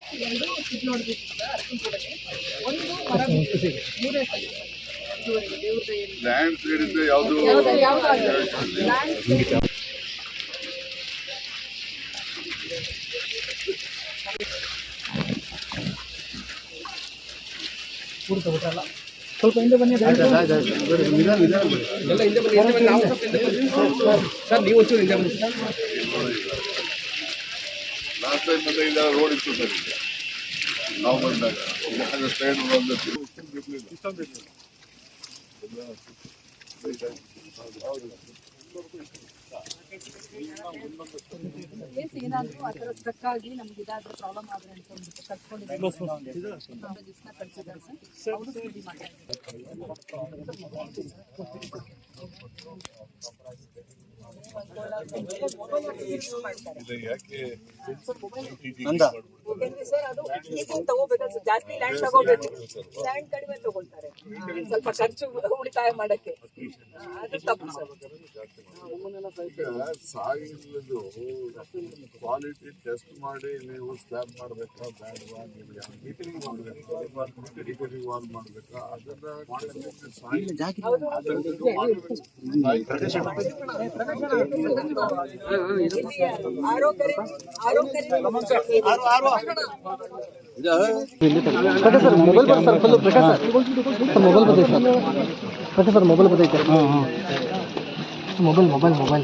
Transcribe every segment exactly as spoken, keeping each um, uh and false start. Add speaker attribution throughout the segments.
Speaker 1: ಎರಡು ಸಿಗ್ಲು ಹೊಡೆದಿತ್ತು ಸರ್ ಅರ್ಕಂಪುರಕ್ಕೆ. ಒಂದು ಮರ ಬಿದ್ದಿದೆ. ಮೂರನೇ ಸಲ ಇದುವರೆಗೆ ದೇವ್ರ ದಯೆಯಿಂದ.
Speaker 2: ಲ್ಯಾಂಡ್ ಸೈಡ್ ಇಂದ ಯಾವುದು
Speaker 1: ಯಾವ್ದು ಯಾವ್ದು ಆಗಿಲ್ಲ. ಲ್ಯಾಂಡ್ ಸೈಡ್
Speaker 3: ಪೂರ್ತಿ ಬಿಟ್ರಲ್ಲ ಸ್ವಲ್ಪ ಹಿಂದೆ ಬನ್ನಿ ಎಲ್ಲ ಹಿಂದೆ ಬನ್ನಿ ಹಿಂದೆ ಬನ್ನಿ ನಾವು ಸ್ವಲ್ಪ ಹಿಂದೆ ಬನ್ನಿ ಸರ್ ನೀವು ಒಂಚೂರು ಹಿಂದೆ ಬನ್ನಿ
Speaker 2: ಲಾಸ್ಟ್ ಟೈಮ್ ಬಂದಾಗ ರೋಡ್ ಇತ್ತು ಸರ್ ಈಗ ನಾವು ಬಂದಾಗ ಸ್ಟ್ಯಾಂಡ್ ಬಂದಿತ್ತು
Speaker 1: ಕೇಸ್ ಏನಾದರೂ ಆ ಥರ ಸ್ಟ್ರಕ್ ಆಗಿ ನಮ್ಗೆ ಇದಾದ್ರೆ ಪ್ರಾಬ್ಲಮ್ ಆದರೆ ಅಂತ ಅಂದ್ಬಿಟ್ಟು ಕಳ್ಸ್ಕೊಂಡಿದ್ದಾರೆ ದಿವಸ ಕಳಿಸಿದ್ದಾರೆ ಸರ್ ಅವರು ಸ್ಟಡಿ ಸರ್ ಅದು ಈಗಿನ ತಗೋಬೇಕಾದ್ರೆ ಜಾಸ್ತಿ ಲ್ಯಾಂಡ್ ತಗೋಬೇಕು ಲ್ಯಾಂಡ್ ಕಡಿಮೆ ತಗೊಳ್ತಾರೆ ಸ್ವಲ್ಪ ಖರ್ಚು ಉಳಿತಾಯ ಮಾಡಕ್ಕೆ ಅದು ತಪ್ಪು ಸರ್
Speaker 2: ಸಾಯಿಲದು ಕ್ವಾಲಿಟಿ ಟೆಸ್ಟ್ ಮಾಡಿ ನೀವು ಸ್ಲ್ಯಾಬ್ ಮಾಡಬೇಕಾ ಬ್ಯಾಡ್ವಾ ನೀವು ಯಾವ ಮೀಟಿಂಗ್ ಮಾಡಬೇಕಾ ಡಿಗ್ರಿ ವಾಲ್ ಮಾಡಬೇಕಾ ಅದನ್ನ
Speaker 3: ಸರ್ ಮೊಬೈಲ್ ಬರ್ sir full Prakash sir mobile ಬರ್ತೈತೆ ಸರ್ ಪ್ರಕಾಶ್ ಸರ್ ಮೊಬೈಲ್ ಬರ್ತೈತೆ ಹಾಂ ಹಾಂ ಮೊಬೈಲ್ ಮೊಬೈಲ್ ಮೊಬೈಲ್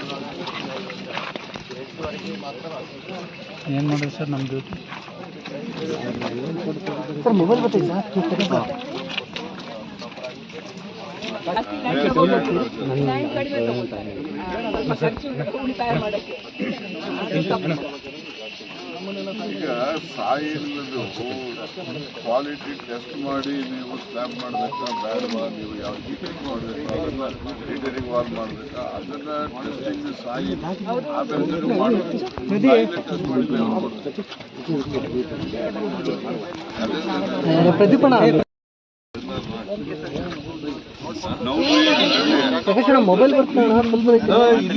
Speaker 3: ಏನು ಮಾಡೋದು ಸರ್ ನಮ್ಮದು ಸರ್ ಮೊಬೈಲ್ ಬರ್ತೈತೆ ಸರ್
Speaker 1: ಉಳಿತಾಯ ಮಾಡಕ್ಕೆ
Speaker 2: ಈಗ ಸಾಯಿಲದು ಕ್ವಾಲಿಟಿ ಟೆಸ್ಟ್ ಮಾಡಿ ನೀವು ಸ್ಲ್ಯಾಬ್ ಮಾಡಬೇಕಾ ಬ್ಯಾಡ್ವಾ ನೀವು ಯಾವ ಮೀಟಿಂಗ್ ಮಾಡಬೇಕಾ ಅದನ್ನ ಡಿಗ್ರಿ ವಾಲ್ ಮಾಡಬೇಕಾ ಅದನ್ನ ಟೆಸ್ಟಿಂಗ್ ಸಾಯಿ ಆಮೇಲೆ ಮಾಡಬೇಕು ಟೆಸ್ಟ್ ಮಾಡಿ
Speaker 3: ಪ್ರದೀಪಣ್ಣ ಮೊಬೈಲ್ ಬರ್ತಾಣ ಫುಲ್